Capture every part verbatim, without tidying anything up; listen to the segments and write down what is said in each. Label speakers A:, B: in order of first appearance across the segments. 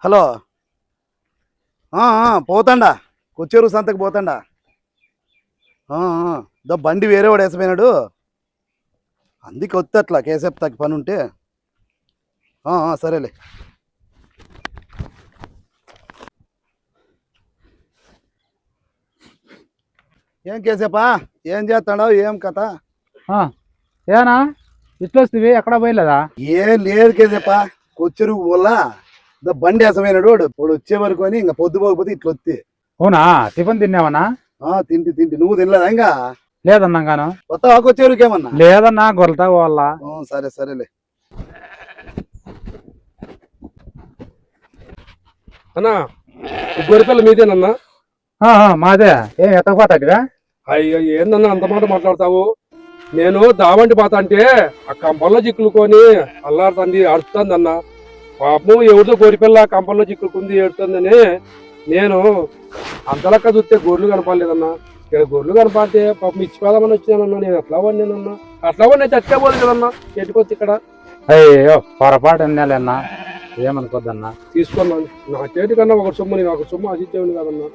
A: Hello. పోతాండా కొచ్చేరు సంతకు పోతాండా. దా బండి వేరే వాడు వేసపోయినాడు, అందుకే వస్తే అట్లా కేసేపు తగ్గి పని ఉంటే. సరేలే. ఏం కేసేపా, ఏం చేస్తాడో ఏం కథ?
B: ఏనా ఇట్లా వస్తుంది, ఎక్కడ పోయలేదా?
A: ఏం లేదు కేసేపా, కొచ్చెరుకు పోలా. దా బండి వేసపోయినాడు వాడు, వాడు వచ్చే వరకు అని ఇంకా పొద్దు పోకపోతే ఇట్లా వస్తే.
B: అవునా, టిఫిన్ తిన్నావనా?
A: తింటి తింటి నువ్వు తినలేదా? ఇంకా
B: లేదన్నా గాను.
A: కొత్తగా కొచ్చేరుకు ఏమన్నా?
B: లేదన్నా, గొలతా పోవాలా.
A: సరే సరేలే.
C: అన్నా గొరిపల్ల మీదేనన్నా?
B: మాదే. ఏం ఎత్తకపోతాడివా?
C: అయ్యో ఏందన్నా అంత మాట మాట్లాడతావు? నేను దావంటి పోతా అంటే ఆ కంపల్లో చిక్కులుకొని అల్లాడుతుంది, అడుస్తుంది అన్న. పాపం ఎవరితో గొరిపిల్ల కంపల్లో చిక్కులుకుంది ఏడుతుందని నేను అంతలక్క చూస్తే గొర్రెలు కనపడలేదన్నా. ఇక్కడ గొర్రెలు కనపడితే పాపం ఇచ్చిపోదామని వచ్చినానన్నా. నేను ఎట్లా వాడినానన్నా, అట్లా వాడిని చచ్చేపోదు కదన్నా ఎటుకొచ్చి ఇక్కడ.
B: అయ్యో పొరపాటు అన్నాలేనా, ఏమనుకోద్దన్నా.
C: తీసుకున్నాను నా చేతి కన్నా ఒక సొమ్ము, నేను ఒక సొమ్ము అసిచ్చేవాడిని కదన్నా.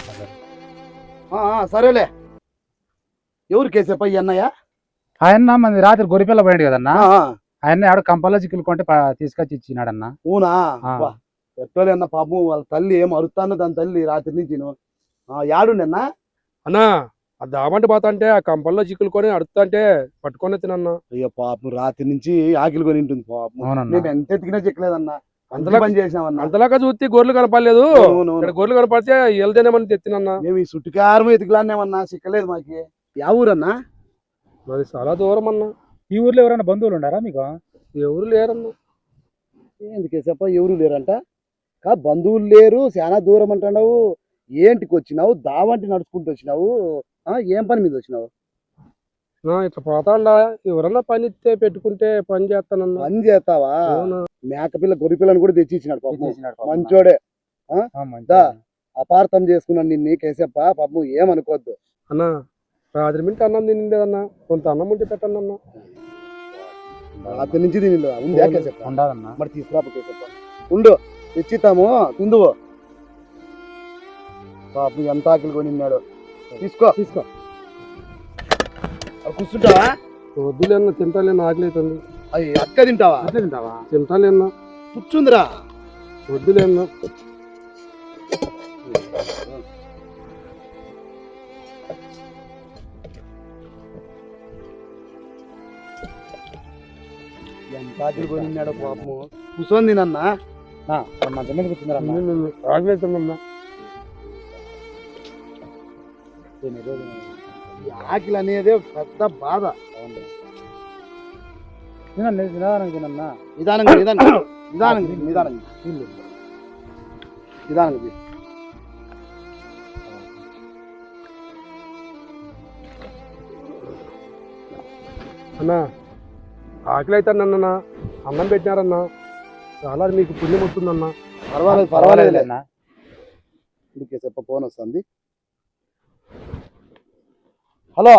A: సరేలే. ఎవరు కేసేపా ఈ అన్నయ్య?
B: ఆయన మంది రాత్రి గొరిపిల్ల పోయాడు కదన్నా, ఆయన ఆడ కంపల్లో చిక్కులు కొంటే తీసుకొచ్చి ఇచ్చినాడన్నా.
A: ఊనా? ఎట్టోలే అన్న, పాపం వాళ్ళ తల్లి ఏం అరుతాను, దాని తల్లి రాత్రి నుంచి యాడుండన్నా.
C: అన్నా ఆ దామంటి పోతా అంటే ఆ కంపల్లో చిక్కులు కొని అడుగుతా అంటే పట్టుకొని తినన్నా.
A: అయ్యో పాపం రాత్రి నుంచి ఆకిలి కొని ఉంటుంది పాపం. మేము ఎంత ఎతికినా చిక్కలేదన్నా, అంతలా పని చేసినామన్నా.
C: అంతలాగా చూస్తే గొర్రెలు కనపడలేదు, ఇక్కడ గొర్రెలు కనపడితే వెళ్తేనేమని తెచ్చినన్నా.
A: మేము ఈ చుట్టుకారం ఎతికిలానేమన్నా, చిక్కలేదు మాకి. యా ఊరన్నా?
C: మాది చాలా దూరం అన్నా.
B: ఈ ఊర్లో ఎవరైనా బంధువులు ఉండారా మీకు?
C: ఎవరు లేరన్నా.
A: ఎందుకే చెప్ప, ఎవరు లేరంట? కా బంధువులు లేరు, చాలా దూరం అంటున్నావు. ఏంటికి వచ్చినావు? దావంటి నడుచుకుంటూ వచ్చినావు? ఏం పని మీద వచ్చినావు?
C: ఇట్లా పోతాండా, ఎవరన్నా పని ఇస్తే పెట్టుకుంటే పని చేస్తానన్నా.
A: పని చేస్తావా? మేకపిల్ల గొర్రెపిల్లని కూడా తెచ్చి ఇచ్చినాడు పాపం, మంచోడే. అపార్థం చేసుకున్నాను నిన్ను కేసప్ప, పాపం ఏమనుకోవద్దు
C: అన్నా. రాత్రి మింటి అన్నం తినలేదన్నా, కొంత అన్నం ఉంటే పెట్టండి అన్నా.
A: రాత్రి నుంచి తినలేదు ఉందా కేసప్ప? ఉండదన్నా. మరి తీసుకురాప కేసప్ప, ఉండు తెచ్చిస్తాము, తిందువు. పాపం ఎంత ఆకలి కొనిన్నాడు. తీసుకో తీసుకో. కూర్చుంటావా?
C: వద్దులేనా, తింటాలేనా, ఆకలి అవుతుంది.
A: అయ్యి అక్క తింటావా? అట్లా తింటావా?
C: తింటాలేనా.
A: కూర్చుందిరా.
C: వద్దులేనా.
A: ఎంత ఆకలి కొనిన్నాడో పాపము. కూర్చొని తినన్నా, మంచి మీద కూర్చుందిరా.
C: ఆకలి అవుతుందన్నా.
A: ఆకలి అనేదే పెద్ద బాధ.
B: నిదానంగా తినన్నా.
A: నిదానంగా నిదానంగా నిదానంగా నిదానంగా నిదానంగా
C: అన్నా ఆకలి అవుతానన్నా. అన్నం పెట్టినారన్నా, చాలా మీకు పుణ్యం వస్తుందన్నా.
A: పర్వాలేదు పర్వాలేదు అన్నా. ఇందుకే చెప్ప, ఫోన్ వస్తుంది. హలో.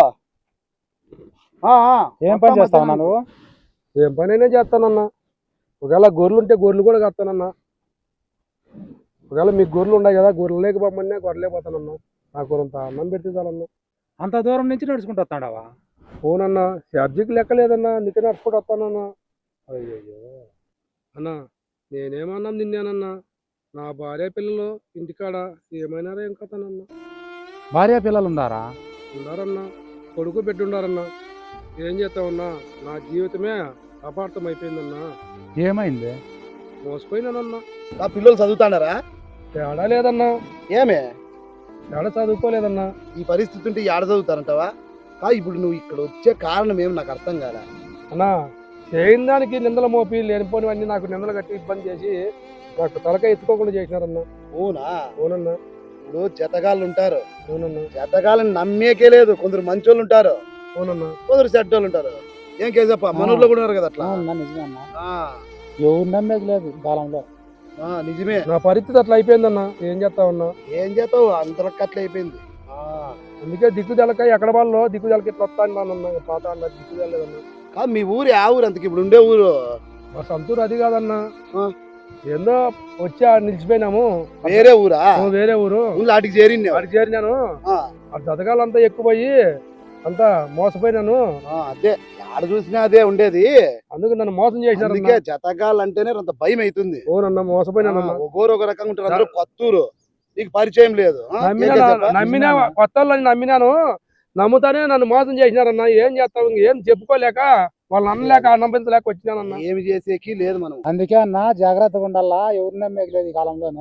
B: ఏం పని చేస్తావన్నా నువ్వు?
C: ఏం పని అయినా చేస్తానన్నా. ఒకవేళ గొర్రెలు ఉంటే గొర్రెలు కూడా కడతానన్నా. ఒకవేళ మీకు గొర్రెలు ఉన్నాయి కదా, గొర్రెలు లేకపోమన్నా గొర్రెలే పోతానన్నా. నాకు కొంత అన్నం పెడితే చాలన్నా.
B: అంత దూరం నుంచి నడుచుకుంటూ వస్తాడావా?
C: అవునన్నా, ఛార్జీకి లెక్క లేదన్నా, అందుకే నడుచుకుంటూ వస్తానన్నా. అయ్యో అన్నా, నేనేమన్నా తిన్నానన్నా. నా భార్య పిల్లలు ఇంటికాడ ఏమైనారా ఏం కథనన్నా.
B: భార్య పిల్లలు ఉన్నారా?
C: ఉన్నారన్నా, కొడుకు పెట్టి ఉండారన్నా. ఏం చేస్తావన్నా, నా జీవితమే అపార్థం అయిపోయిందన్నా.
B: ఏమైంది?
C: మోసపోయినానన్నా.
A: నా పిల్లలు చదువుతాడారా?
C: తేడా లేదన్నా.
A: ఏమే
C: తేడా చదువుకోలేదన్నా.
A: ఈ పరిస్థితి ఉంటే ఏడ చదువుతారంటావా? కా ఇప్పుడు నువ్వు ఇక్కడ వచ్చే కారణం ఏమి నాకు అర్థం కాదా
C: అన్నా. చేయని దానికి నిందలు మోపి లేనిపోనివన్నీ నాకు నిందలు కట్టి ఇబ్బంది చేసి నాకు తలకాయ ఎత్తుకోకుండా చేసినారన్నా.
A: అవునా?
C: అవునన్నా.
A: ఇప్పుడు జతగాళ్ళు ఉంటారు.
C: అవునన్నా.
A: జతగాళ్ళని నమ్మేకే లేదు. కొందరు మంచోళ్ళు ఉంటారు,
C: అవునన్నా,
A: కొందరు చెడ్డోళ్ళు ఉంటారు. ఏం కేసప్ప, మనూర్లో కూడా ఉన్నారు కదా అట్లా.
B: ఎవరు నమ్మేది లేదు కాలంలో.
A: నిజమే.
C: నా పరిస్థితి అట్లా అయిపోయిందన్నా. ఏం చేస్తావన్నా?
A: ఏం చేస్తావు, అంతలక్క అట్లా అయిపోయింది.
C: అందుకే దిక్కుదలక ఎక్కడ వాళ్ళు దిక్కుదలకి ఇట్లా వస్తానన్నా. పాత అన్న దిక్కుదలేదన్నా.
A: మీ ఊరు ఆ ఊరు అంతకి ఇప్పుడు ఉండే ఊరు?
C: మా సొంతూరు అది కాదన్నా. ఏందో వచ్చి ఆడ నిలిచిపోయినాము.
A: వేరే ఊరా?
C: ఓ వేరే ఊరు.
A: ఊళ్ళో ఆటికి చేరింది.
C: ఆడికి చేరినాను. ఆ జతకాలంతా ఎక్కువయ్యి అంతా మోసపోయినాను.
A: అదే ఆడ చూసినా అదే ఉండేది.
C: అందుకు నన్ను మోసం చేసినారు.
A: అందుకే జతగాళ్ళు అంటేనే అంత భయం అవుతుంది.
C: ఓనన్నా మోసపోయినాను.
A: ఒకరు ఒక రకంగా ఉంటారు. అందరూ కొత్తూరు, నీకు పరిచయం లేదు.
C: నమ్మినా కొత్త వాళ్ళని నమ్మినాను. నమ్ముతానే నన్ను మోసం చేసినారన్న. ఏం చేస్తావు? ఏం చెప్పుకోలేక వాళ్ళు అనలేక అన్నంపించలేక వచ్చినానన్న.
A: ఏమి చేసేకి లేదు మనం.
B: అందుకే అన్న జాగ్రత్తగా ఉండాలా. ఎవరు నమ్మేయలేదు ఈ కాలంలోను.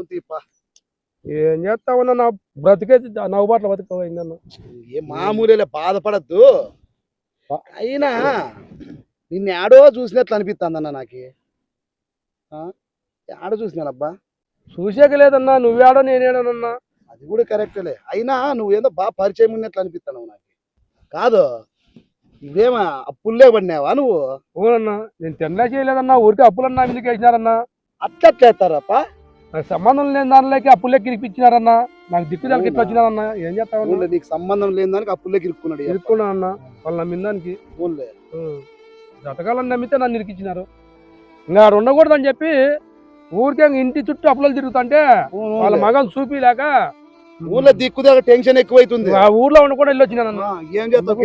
C: ఏం చేస్తావన్నా, నా బ్రతికే నవ్వుబాట్ల బతుకపోయిందన్న.
A: ఏ మామూలే, బాధపడద్దు. అయినా నిన్ను ఆడో చూసినట్లు అనిపిస్తుందన్న. నాకు ఆడ చూసినానబ్బా.
C: చూసాక లేదన్నా. నువ్వేడో నేనేడోనన్నా.
A: అది కూడా కరెక్టేలే. అయినా నువ్వేందో బాగా పరిచయం ఉన్నట్లు అనిపిస్తున్నావు నాకు. కాదు, ఇదేమా అప్పుల్లే పడినావా నువ్వు?
C: ఓనన్నా, నేను తినలే చేయలేదన్నా. ఊరికి అప్పులన్నా ఎందుకు వేసినారన్నా?
A: అట్లా చేస్తారప్ప.
C: నాకు సంబంధం లేని దానిలోకి అప్పులే కిరిపించినారన్నా. నాకు దిక్కుదానికి ఎట్లా వచ్చినారన్నా? ఏం చేస్తావు?
A: నీకు సంబంధం లేని దానికి అప్పులే ఇరుక్కున్నాడు.
C: ఇరుక్కున్నానన్నా వాళ్ళు నమ్మిన దానికి. జతకాలని నమ్మితే నన్ను ఇరికిచ్చినారు. ఇంకా ఆడ ఉండకూడదని చెప్పి ఊరికే ఇంటి చుట్టూ అప్పులు తిరుగుతుంటే వాళ్ళ మగం చూపిలేక
A: ఊర్లో దిక్కుదా టెన్షన్ ఎక్కువైతుంది.
C: ఆ ఊర్లో ఉండకుండా వెళ్ళి వచ్చినానన్నా.
A: ఏం చేస్తావు?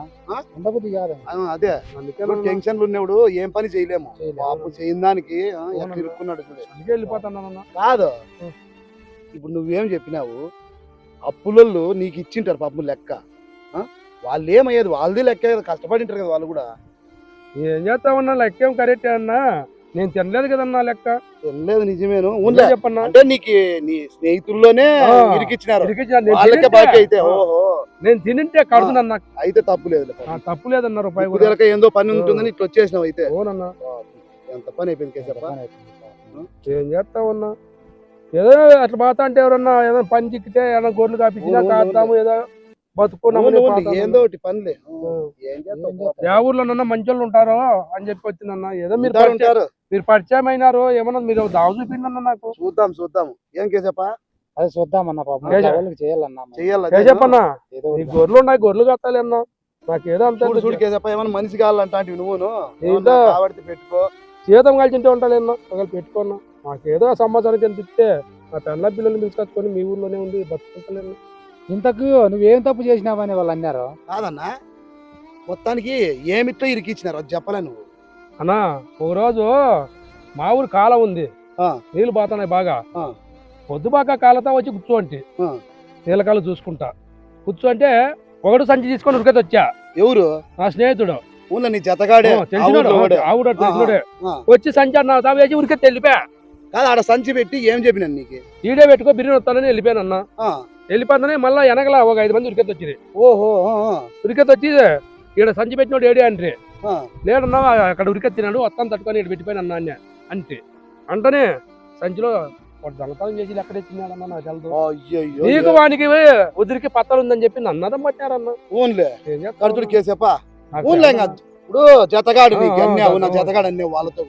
A: అదే టెన్షన్లు ఉన్నప్పుడు ఏం పని చేయలేము. అప్పు చేయని దానికి ఇరుక్కున్నాడు.
C: వెళ్ళిపోతానన్నా.
A: కాదు, ఇప్పుడు నువ్వేం చెప్పినావు? అప్పులలో నీకు ఇచ్చింటారు పాపం లెక్క. వాళ్ళు ఏమయ్యేది? వాళ్ళది లెక్క, కష్టపడింటారు కదా వాళ్ళు కూడా.
C: ఏం చేస్తామన్నా, లెక్కేం కరెక్టే అన్నా. నేను తినలేదు కదన్నా లెక్క.
A: తినలేదు నిజమేను.
C: చెప్పన్నా,
A: అంటే నీకు నీ స్నేహితుల్లోనే ఇరికిచ్చినారు.
C: నేను తినింటే కడుతున్నా.
A: అయితే తప్పు లేదు,
C: తప్పు లేదన్నా. రూపాయి
A: ఏందో పని ఉంటుందని ఇట్లా వచ్చేసినావు. అయితే
C: ఓనన్నా,
A: ఎంత పని అయిపోయింది.
C: ఏం చేస్తామన్నా, ఏదో అట్లా పోతా అంటే ఎవరన్నా ఏదో పని చిక్కితే ఏదైనా గొర్రెలు కాపించినా కాస్తాము, ఏదో బతుకున్నాము.
A: ఏందో ఒకటి పనిలే.
C: ఏ ఊర్లోనన్నా మంచి వాళ్ళు ఉంటారో అని చెప్పి వచ్చిందన్నా. ఏదో మీరు ఉంటారు, మీరు పరిచయం అయినారు. ఏమన్నా మీరు దావ చూపిందన్నా నాకు.
A: చూద్దాం చూద్దాం. ఏం కేసప్పా?
B: అది చూద్దామన్నా. పాపం చేయాలన్నా.
C: చెప్పన్నా, నీ గొర్రెలు ఉన్నాయి, గొర్రెలు కట్టాలి అన్నా. నాకు ఏదో అంత
A: చూడుకేసప్ప. ఏమన్నా మనిషి కావాలంటే నువ్వును పెట్టుకో.
C: జీతం కలిసింటే ఉంటాలేనా ఒకవేళ పెట్టుకున్నా. నాకేదో సంవత్సరానికి ఎంత ఇస్తే నా పెళ్ళ పిల్లల్ని పిలుచుకొచ్చుకొని మీ ఊర్లోనే ఉంది బతుకుంటలేను.
B: ఇంతకు నువ్వేం తప్పు చేసినావని వాళ్ళు అన్నారు.
A: కాదన్నా, మొత్తానికి ఏమిట్లో ఇరికిచ్చినారు అది చెప్పలే నువ్వు.
C: అన్నా, ఒక రోజు మా ఊరు కాలం ఉంది, నీళ్ళు పోతున్నాయి బాగా. పొద్దుబాక కాలతో వచ్చి కూర్చోంటి, నీళ్ళ కాలు చూసుకుంటా కూర్చోంటే ఒకడు సంచి తీసుకొని ఉరికైతే వచ్చా.
A: ఎవరు?
C: నా స్నేహితుడు.
A: ఊళ్ళో నీ జతగాడే
C: ఆవుడు తెలిసినోడే. వచ్చి సంచి అన్నా తావేసి ఉరికైతే వెళ్ళిపోయా.
A: కాదు, ఆడ సంచి పెట్టి ఏం చెప్పినాను నీకు?
C: ఈడే పెట్టుకో బిర్యానీ వస్తానని వెళ్ళిపోయాను అన్న. వెళ్ళిపోతానే మళ్ళీ వెనకల ఒక ఐదు మంది ఉరికెత్తి వచ్చింది.
A: ఓహో, ఉరికెత్తి
C: వచ్చి ఈడ సంచి పెట్టినోడు ఏడే అంటే లేడన్నా అక్కడ ఉరికెత్తినాడు, వస్తాను తట్టుకొని ఇక్కడ పెట్టిపోయిన అన్న అన్న అంటే అంటనే సంచిలో దొంగతనం చేసి ఎక్కడ ఎత్తినాడన్నా నాకు తెలదు. నీకు వానికి ఉదిరికి పత్తలు ఉందని చెప్పి నన్నదం పట్టారన్న.
A: ఊన్లే కడుతుడు కేసేపా. ఊన్లే ఇప్పుడు జతగాడు నా జతగాడు అనే వాళ్ళతో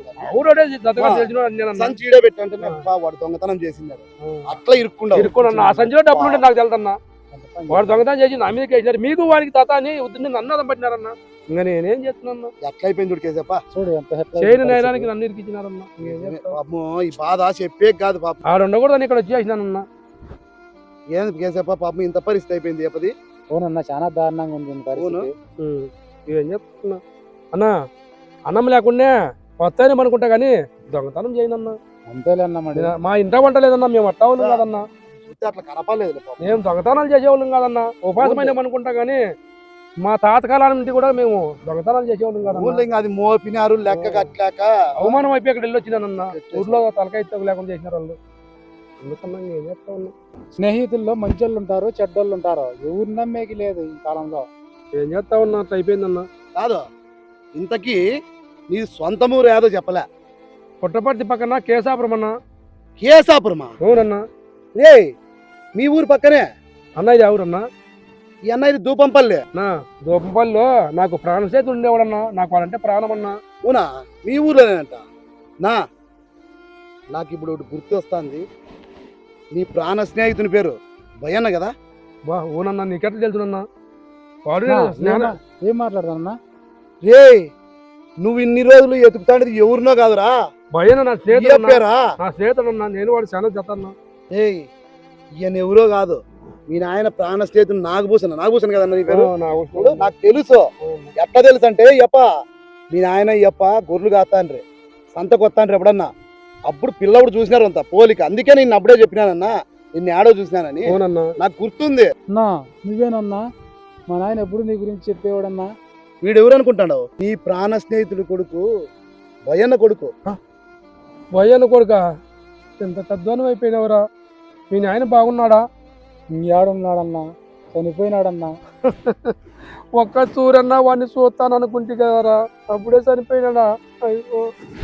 A: సంచి ఈడే పెట్టి అంటే వాడు దొంగతనం చేసినారు అట్లా ఇరుక్కుండా
C: ఇరుక్కున్నా. ఆ సంచిలో డబ్బులు ఉంటే నాకు తెలుదన్నా. వాడు దొంగతనం చేసి నా మీదకి వేసినారు. మీకు వారికి తాత అని ఉద్దిని నన్ను అదం పట్టినారన్నా. ఇంకా నేనేం చేస్తున్నా?
A: ఎట్లా అయిపోయింది చూడుకేసేపా.
B: చూడు
C: చేయని నేరానికి నన్ను ఇరికిచ్చినారన్నా.
A: ఈ బాధ చెప్పే కాదు పాప.
C: ఆడ ఉండకూడదని ఇక్కడ వచ్చేసినానన్నా.
A: ఏంది కేసేపా పాపం ఇంత పరిస్థితి అయిపోయింది చెప్పది.
B: అవునన్నా, చాలా దారుణంగా ఉంది.
C: ఏం చెప్తున్నా అన్నా, అన్నం లేకుండా వస్తాయని అనుకుంటా కానీ దొంగతనం చేయనన్నా.
B: అంతేలేన్నా,
C: మా ఇంట వంట లేదన్నా. మేము అట్టా వాళ్ళం కాదన్నా.
A: అట్లా కనపడలేదు.
C: మేము దొంగతనాలు చేసేవాళ్ళం కాదన్నా. ఉపాసమైన అనుకుంటా కానీ మా తాతకాలం నుండి కూడా మేము దొంగతనాలు చేసేవాళ్ళం కాదన్నా.
A: అది మోపినారు లెక్క కట్టలేక
C: అవమానం అయిపోయి అక్కడ వెళ్ళి వచ్చినానన్నా. ఊర్లో తలకాయ లేకుండా చేసినారు వాళ్ళు. అందుకన్నా ఏం చేస్తా ఉన్నా.
B: స్నేహితుల్లో మంచోళ్ళు ఉంటారు, చెడ్డోళ్ళు ఉంటారు. ఎవరు నమ్మేకి లేదు ఈ కాలంలో.
C: ఏం చేస్తా ఉన్నా, అట్లా అయిపోయిందన్నా.
A: కాదు, ఇంతకీ నీ సొంత ఊరు ఏదో చెప్పలే.
C: పుట్టపర్తి పక్కన కేశాపురం అన్నా.
A: కేశాపురమా?
C: అవునన్నా.
A: ఏ మీ ఊరు పక్కనే
C: అన్న? ఇది ఎవరన్నా?
A: ఈ అన్న ఇది దూపంపల్లి.
C: నా దూపంపల్లిలో నాకు ప్రాణ స్నేహితుడు ఉండేవాడన్నా. నాకు వాళ్ళంటే ప్రాణం అన్నా.
A: అవునా? మీ ఊర్లోనేనంట. నా నాకు ఇప్పుడు ఒకటి గుర్తు వస్తుంది. నీ ప్రాణ స్నేహితుని పేరు భయన్న కదా?
C: బా ఓనన్నా, నీకెట్లా తెలుసునన్నా? వాడు
B: ఏం మాట్లాడతానన్నా?
A: రే నువ్వు ఇన్ని రోజులు ఎతుకుతాండేది ఎవరినో కాదురా,
C: భయన నా
A: ఈ
C: స్నేహితుడు అన్నా.
A: పేరా
C: నా స్నేహితుడు అన్నా, నేను వాడు చాలా జత అన్నా.
A: ఏయ్ ఈయన ఎవరో కాదు, మీ నాయన ప్రాణ స్నేహితుడు నాగభూషణ. నాగభూషణ కదన్న నీ పేరు?
C: ఆ, నా
A: ఇప్పుడు
C: అవసరం.
A: నాకు తెలుసు.
C: ఆ,
A: ఎట్లా తెలుసు అంటే యప్ప మీ నాయన యప్ప గొర్రెలు కాస్తాన్రి, సంతకు వస్తాన్రి ఎప్పుడన్నా. అప్పుడు పిల్లప్పుడు చూసినారు అంత పోలిక. అందుకే నేను అప్పుడే చెప్పినానన్నా నిన్ను ఆడో చూసినానని.
C: అవునన్నా.
A: నాకు గుర్తుంది.
B: అన్నా నువ్వేనన్నా మా నాయన ఎప్పుడు నీ గురించి చెప్పేవాడన్నా.
A: వీడు ఎవరు అనుకుంటాడు? నీ ప్రాణ స్నేహితుడు కొడుకు, భయన్న కొడుకు.
C: భయ్యన్న కొడుక ఎంత తద్వానం అయిపోయినవరా. మీ నాయన బాగున్నాడా?
B: ఏడున్నాడన్నా, చనిపోయినాడన్నా.
C: ఒక్క చూరన్నా వాడిని చూస్తాను అనుకుంటే కదరా, అప్పుడే చనిపోయినాడా? అయ్యో.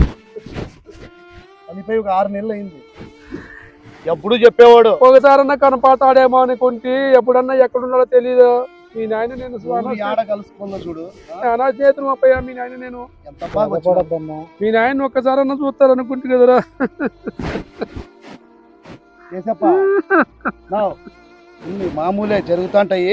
A: చనిపోయి ఒక ఆరు నెలలు అయింది. ఎప్పుడు చెప్పేవాడు
C: ఒకసారన్నా కనపడతాడేమో అనుకుంటే, ఎప్పుడన్నా ఎక్కడున్నాడో తెలియదు. మీ నాయన నేను
A: నువ్వు ఆడ కలుసుకున్నా చూడు.
C: నా చేతులు అప్పయ్యా. మీ నాయన నేను
A: ఎంత బాగా వచ్చినావు.
B: బాధపడద్దన్నా.
C: మీ నాయన ఒక్కసారన్నా చూస్తారనుకుంటే కదరా.
A: చేసప్పా ఇన్ని మామూలే జరుగుతుంటాయి.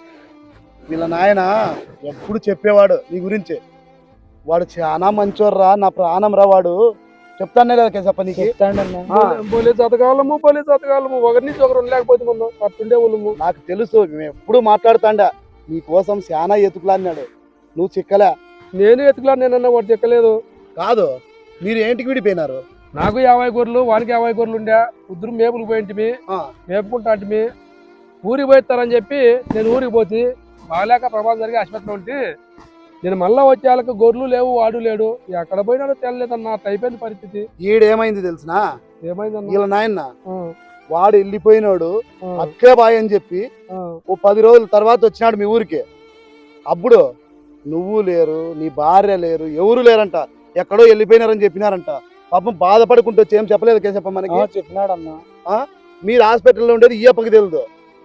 A: వీళ్ళ నాయన ఎప్పుడు చెప్పేవాడు నీ గురించి. వాడు చాలా మంచోర్రా, నా ప్రాణం రా వాడు. చెప్తానే లేదా కేసప్ప నీకు?
B: చెప్తాడన్నా.
C: పోలే చతకాలము పోలే చతకాలము ఒకరి నుంచి ఒకరు లేకపోతే మనం అట్టుండే వాళ్ళము.
A: నాకు తెలుసు, మేము ఎప్పుడు మాట్లాడుతాండా నీ కోసం చాలా ఎతుకులాడినాడు, నువ్వు చిక్కలే.
C: నేను ఎత్తుకులా, నేనన్నా వాడు చెక్కలేదు.
A: కాదు, మీరు ఏంటికి విడిపోయినారు?
C: నాకు యాభై గొర్రెలు వానికి యాభై గొర్రెలు ఉండే. ఇద్దరు మేపులు పోయింటిమి,
A: ఆ,
C: మేపుకుంటా అంటిమి. ఊరికి పోయిస్తారని చెప్పి నేను ఊరికి పోతే బాగాలేక ప్రమాదం జరిగి ఆసుపత్రిలో ఉంటే, నేను మళ్ళా వచ్చే వాళ్ళకి గొర్రెలు లేవు, వాడు లేడు. ఎక్కడ పోయినాడో తెలియలేదన్న. అట్ట అయిపోయింది పరిస్థితి.
A: ఈడేమైంది తెలుసునా?
C: ఏమైందన్న?
A: వీళ్ళ నాయన
C: ఆ,
A: వాడు వెళ్ళిపోయినాడు
C: ఆ,
A: అట్లే బాయ్ అని చెప్పి
C: ఆ.
A: ఓ పది రోజుల తర్వాత వచ్చినాడు మీ ఊరికి. అప్పుడు నువ్వు లేరు, నీ భార్య లేరు, ఎవరు లేరంట, ఎక్కడో వెళ్ళిపోయినారని చెప్పినారంట. పాపం బాధపడుకుంటూ వచ్చి ఏం చెప్పలేదు కేసప్ప మనకి.
B: చెప్పినాడన్నా.
A: మీరు హాస్పిటల్లో ఉండేది ఈయప్పకి తెలుదు.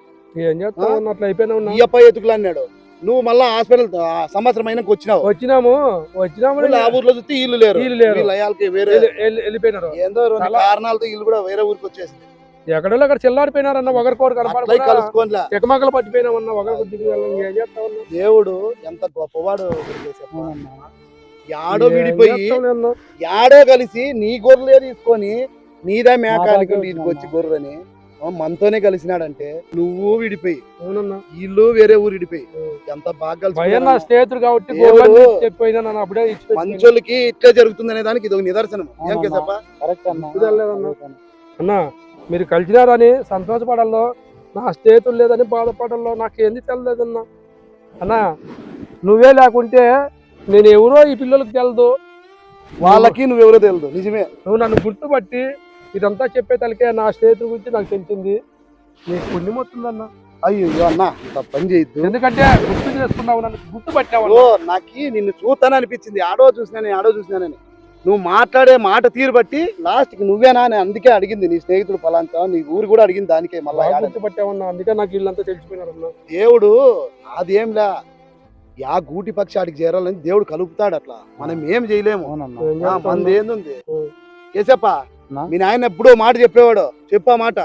C: ఏం చేస్తావు అన్న, అట్లా అయిపోయినా ఉన్నా.
A: ఈయప్ప ఎతుకులు అన్నాడు. నువ్వు మళ్ళా హాస్పిటల్ ఆ సంవత్సరం అయినాక వచ్చినావు.
C: వచ్చినాము వచ్చినాము
A: మళ్ళీ ఆ ఊర్లో చూస్తే ఇల్లు లేరు,
C: వీళ్ళు లేరు.
A: వీళ్ళ అయ్యాలకి వేరే
C: వెళ్ళి- వెళ్ళి- వెళ్ళిపోయినారు.
A: ఏందో రెండు
C: చాలా-
A: కారణాలతో ఇల్లు కూడా వేరే ఊరికి వచ్చేసింది.
C: ఎక్కడో అక్కడ చిల్లాడిపోయినారన్న. ఒకరికొకరు
A: అట్లా
C: కనపడకుండా
A: కలుసుకోనిలే.
C: ఎకమకలు పట్టిపోయినామన్న. ఒకరికి దిగి వెళ్ళాం. ఏం చేస్తామన్నా?
A: దేవుడు ఎంత గొప్పవాడు కేసప్ప.
B: అవునన్నా.
A: యాడో
C: ఏం
A: విడిపోయి
C: చేస్తాంలే అన్న.
A: యాడో కలిసి నీ గొర్రెలే తీసుకొని నీదా మేక
B: మా
A: అనుకుని
B: దగ్గర
A: ఇంటికి వచ్చి గొర్రెని ఆ మనతోనే కలిసినాడంటే, నువ్వు విడిపోయి
C: అవునన్నా.
A: ఇల్లు వేరే ఊరు విడిపోయి ఎంత బాగా
C: భయం నా
A: కలిసి
C: స్నేహితుడు కాబట్టి
A: దేవుడు
C: గోర్లన్నీ చెప్పిపోయినా నన్ను అప్పుడే ఇచ్చి
A: మంచోళ్ళకి ఇట్లా జరుగుతుందనే దానికి ఇది ఒక నిదర్శనం. ఏం
B: అవునన్నా.
A: కేసప్ప?
B: కరెక్ట్ అన్నా.
C: ఇప్పుడు వెళ్ళలేదన్నా. అన్న మీరు కలిసినారని సంతోషపడాలో, నా స్నేహితులు లేదని బాధపడాలో నాకు ఏంది తెలలేదన్నా. అన్న నువ్వే లేకుంటే నేను ఎవరో ఈ పిల్లలకు తెలదు.
A: వాళ్ళకి నువ్వెవరో తెలియదు. నిజమే.
C: నువ్వు నన్ను గుర్తుపట్టి ఇదంతా చెప్పే తలకే నా స్నేహితుల గురించి నాకు తెలిసింది. నీకు పుణ్యం వస్తుందన్న.
A: అయ్యో అన్న అంత పని చేయొద్దు.
C: ఎందుకంటే గుర్తు చేసుకున్నావు, నన్ను గుర్తుపట్టావు.
A: ఓ నాకి నిన్ను చూస్తాను అనిపించింది. ఆడో చూసినాను ఆడో చూసినానని. నువ్వు మాట్లాడే మాట తీరు బట్టి లాస్ట్ కి నువ్వేనా అని అందుకే అడిగింది. నీ స్నేహితుడు ఫలాంతా నీ ఊరు కూడా అడిగింది దానికే. మళ్ళా
C: బాగా
A: యాడ-
C: గుర్తుపట్టావన్నా. అందుకే నాకు వీళ్ళంతా తెలిసిపోయినారన్న.
A: దేవుడు అదేంలా యా గూటి పక్షి ఆడికి చేరాలని దేవుడు కలుపుతాడు. అట్లా మనం ఏం చేయలేము.
B: అవునన్నా.
C: ఏం
A: ఆ,
C: చేస్తావు
A: మనది
C: అన్న?
A: ఏందుంది
C: ఉం.
A: కేసప్ప?
B: నా?
A: మీ నాయన ఎప్పుడో మాట చెప్పేవాడు, చెప్పా మాట.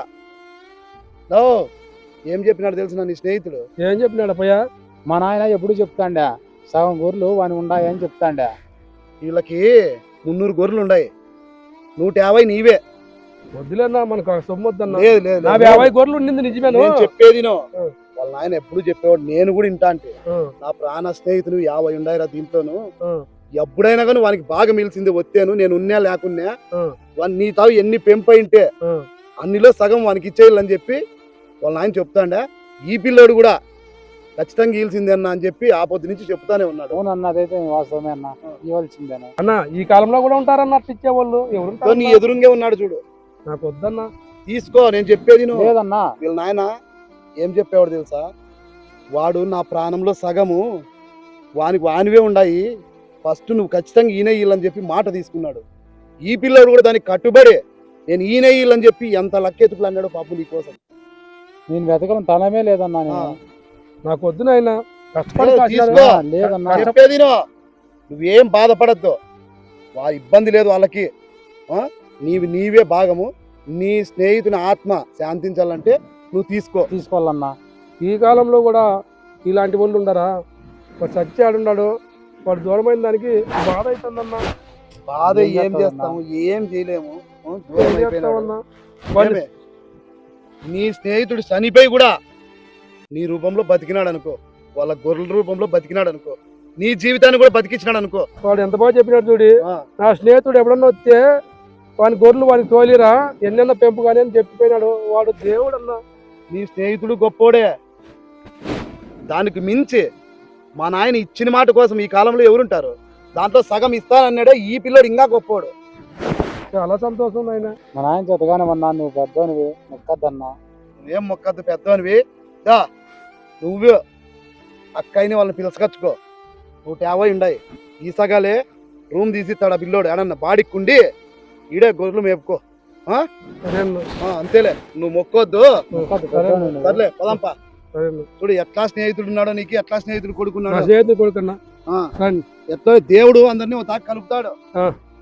A: ఓ ఏం చెప్పినాడు తెలుసు నీ స్నేహితుడు?
C: ఏం చెప్పినాడు అప్పయ్య?
B: మా నాయన ఎప్పుడు చెప్తాండా సగం గొర్రెలు వాని ఉండాయి అని చెప్తాండా.
A: వీళ్ళకి మున్నూరు గొర్రెలు ఉన్నాయి, నూట యాభై నీవే.
C: వద్దులేనా, మనకు సొమ్ము వద్దన్నా.
A: లేదు లేదు
C: నా
A: లేదు.
C: యాభై గొర్రెలు ఉండింది నిజమేను.
A: నేను చెప్పేది నో.
C: ఆ.
A: వాళ్ళ నాయన ఎప్పుడు చెప్పేవాడు, నేను కూడా ఇంటా అంటే.
C: ఆ,
A: నా ప్రాణ స్నేహితులు యాభై ఉండాయిరా దీంట్లోను.
C: ఆ,
A: ఎప్పుడైనా కానీ వానికి బాగా మిలిసింది వచ్చాను, నేను ఉన్నా లేకున్నా
C: ఆ,
A: వాని నీ తావు ఎన్ని పెంపైంటే
C: ఆ.
A: అన్నిలో సగం వానికి ఇచ్చేయాలని చెప్పి వాళ్ళ నాయన చెప్తాండా. ఈ పిల్లోడు కూడా ఖచ్చితంగా గీల్సిందే అన్న అని చెప్పి ఆ పొద్దు నుంచి చెప్తానే ఉన్నాడు.
B: అవునన్నా, అదైతే వాస్తవమే అన్న. ఇవ్వాల్సిందేనా.
C: అన్న ఈ కాలంలో కూడా ఉంటారన్న అట్లా ఇచ్చేవాళ్ళు.
A: తో నీ
C: ఎవరు
A: ఎదురుంగే ఉన్నాడు చూడు.
C: నాకు వద్దన్నా.
A: తీసుకో, నేను చెప్పేది నువ్వు.
B: లేదన్నా.
A: వీళ్ళ నాయన ఏం చెప్పేవాడు తెలుసా? వాడు నా ప్రాణంలో సగము, వానికి వానివే ఉండాయి, ఫస్ట్ నువ్వు ఖచ్చితంగా ఈయన వీళ్ళని చెప్పి మాట తీసుకున్నాడు. ఈ పిల్లడు కూడా దానికి కట్టుబడే నేను ఈయన వీళ్ళని చెప్పి ఎంత లక్కెతుకులు అన్నాడు పాపం నీ కోసం.
B: నేను వెతకడం తనమే లేదన్నా.
A: ఆ,
B: నేను
C: నాకు వద్దు నాయన. కష్టపడి
A: ఏ,
C: కాసినారు.
A: తీసుకో.
B: లేదన్నా.
A: చెప్పేది నువ్వు. నువ్వేం బాధపడద్దు, వా ఇబ్బంది లేదు వాళ్ళకి. ఆ, నీవి నీవే భాగము. నీ స్నేహితుని ఆత్మ శాంతించాలంటే నువ్వు తీసుకో.
B: తీసుకోవాలన్నా.
C: ఈ కాలంలో కూడా ఇలాంటి వాళ్ళు ఉండరా? వాడు చచ్చి ఆడున్నాడు, వాడు దూరమైన దానికి బాధ అవుతుందన్నా.
A: బాధ
B: ఏం
A: ఏం
B: చేస్తావు
A: చేస్తాము ఏం చేయలేము ఆ, దూరం
C: ఏం
A: అయిపోయినాడు.
C: చేస్తావన్నా? వాళ్ళు
A: ఏమే? నీ స్నేహితుడు చనిపోయి కూడా నీ రూపంలో బతికినాడు అనుకో, వాళ్ళ గొర్రెల రూపంలో బతికినాడు అనుకో, నీ జీవితాన్ని కూడా బతికించినాడు అనుకో.
C: వాడు ఎంత బాగా చెప్పినాడు చూడి.
A: ఆ,
C: నా స్నేహితుడు ఎప్పుడన్నా వస్తే వాని గొర్రెలు వానికి తోలిరా ఎన్నెన్న పెంపు కానీ అని చెప్పిపోయినాడు. వాడు దేవుడు అన్నా.
A: నీ స్నేహితుడు గొప్పోడే. దానికి మించి మా నాయన ఇచ్చిన మాట కోసం ఈ కాలంలో ఎవరుంటారు? దాంట్లో సగం ఇస్తానన్నాడే ఈ పిల్లడు ఇంకా గొప్పోడు.
C: చాలా సంతోషం ఆయన.
B: మా నాయన చేతగానే ఉన్నా నువ్వు పెద్దోనివి మొక్కద్దన్నా.
A: నువ్వేం మొక్కద్దు పెద్దవనివి. దా నువ్వు అక్కయ్యని వాళ్ళని పిలుచుకొచ్చుకో. నూట యాభై ఉండయి ఈ సగాలే రూమ్ తీసిస్తాడు ఆ పిల్లోడు. ఏడన్నా బాడిక్కుండి ఈడే గొర్రెలు మేపుకో. ఆ?
C: సరే అన్న,
A: ఆ, అంతేలే నువ్వు మొక్కొద్దు.
B: మొక్కద్దు
C: సరే
B: పెద్దోనివి నువ్వు.
A: సర్లే పదంపా.
C: సరే అన్న.
A: చూడు ఎట్లా స్నేహితుడు ఉన్నాడో నీకు, ఎట్లా స్నేహితుడు
C: నా
A: కొడుకున్నాడు.
C: స్నేహితుడు కొడుకన్నా.
A: ఆ,
C: రండి.
A: ఎట్లా దేవుడు అందరినీ ఒక తాకి కలుపుతాడు.
C: ఆ.